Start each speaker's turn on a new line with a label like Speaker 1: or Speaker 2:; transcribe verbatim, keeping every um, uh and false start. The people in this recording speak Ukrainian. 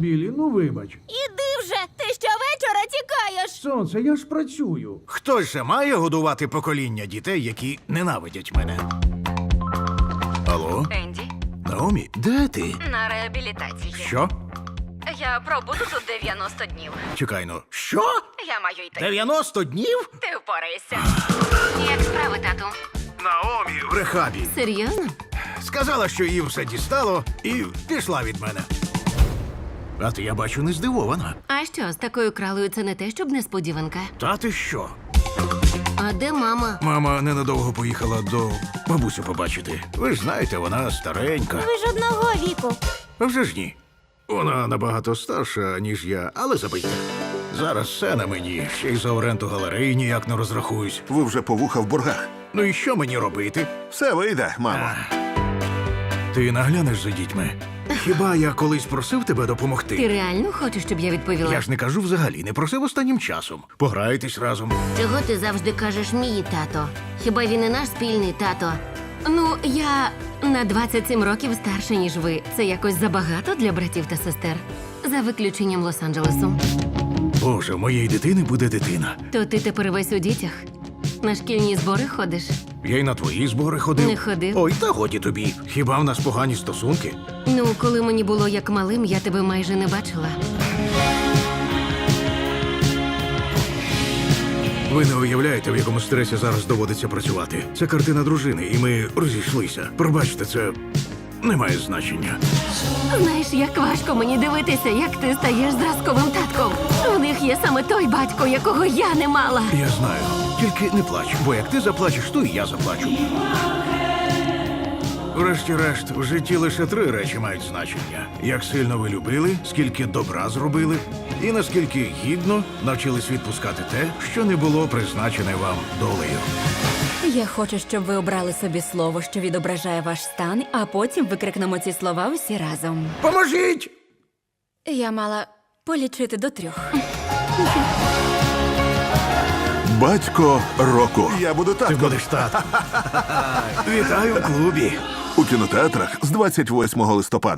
Speaker 1: Білі, ну вибач.
Speaker 2: Іди вже, ти щовечора тікаєш.
Speaker 1: Сонце, я ж працюю.
Speaker 3: Хтось же має годувати покоління дітей, які ненавидять мене. Алло?
Speaker 4: Енді,
Speaker 3: Наомі, де ти?
Speaker 4: на реабілітації.
Speaker 3: Що?
Speaker 4: Я пробуду тут дев'яносто днів.
Speaker 3: Чекай, ну. Що?
Speaker 4: Я маю йти.
Speaker 3: дев'яносто днів?
Speaker 4: Ти впораєшся. Як справи, тату?
Speaker 3: Наомі в рехабі.
Speaker 4: Серйозно?
Speaker 3: Сказала, що її все дістало, і пішла від мене. А ти, я бачу, не здивована.
Speaker 4: А що, з такою кралою це не те, щоб несподіванка?
Speaker 3: Та ти що?
Speaker 4: А де мама?
Speaker 3: Мама ненадовго поїхала до бабусю побачити. Ви ж знаєте, вона старенька.
Speaker 2: Ви ж одного віку.
Speaker 3: А вже ж ні. Вона набагато старша, ніж я, але забийте. Зараз все на мені, ще й за оренду галереї ніяк не розрахуюсь.
Speaker 5: Ви вже по вуха в боргах.
Speaker 3: Ну і що мені робити?
Speaker 5: Все вийде, мамо.
Speaker 3: Ти наглянеш за дітьми? Хіба я колись просив тебе
Speaker 4: Ти
Speaker 3: допомогти?
Speaker 4: реально хочеш, щоб я відповіла?
Speaker 3: Я ж не кажу взагалі, не просив останнім часом. Пограйтесь разом.
Speaker 4: Чого ти завжди кажеш мій тато? Хіба він і наш спільний тато? Ну, я на двадцять сім років старша, ніж ви. Це якось забагато для братів та сестер. За виключенням Лос-Анджелесу.
Speaker 3: Боже, в моєї дитини буде дитина.
Speaker 4: То ти тепер весь у дітях? На шкільні збори ходиш?
Speaker 3: Я й на твої збори ходив.
Speaker 4: Не ходив.
Speaker 3: Ой, та годі тобі. Хіба в нас погані стосунки?
Speaker 4: Ну, коли мені було як малим, я тебе майже не бачила.
Speaker 3: Ви не уявляєте, в якому стресі зараз доводиться працювати. Це картина дружини, і ми розійшлися. Пробачте, це не має значення.
Speaker 4: Знаєш, як важко мені дивитися, як ти стаєш зразковим татком. У них є саме той батько, якого я не мала.
Speaker 3: Я знаю. Тільки не плач, бо як ти заплачеш, то і я заплачу. Врешті-решт, в житті лише три речі мають значення: як сильно ви любили, скільки добра зробили, і наскільки гідно навчились відпускати те, що не було призначене вам долею.
Speaker 6: Я хочу, щоб ви обрали собі слово, що відображає ваш стан, а потім викрикнемо ці слова усі разом.
Speaker 3: Поможіть!
Speaker 6: Я мала полічити до трьох.
Speaker 5: Батько року. Я буду
Speaker 3: Ти
Speaker 5: татком.
Speaker 3: будеш тат. Вітаю в клубі.
Speaker 5: У кінотеатрах з двадцять восьмого листопада.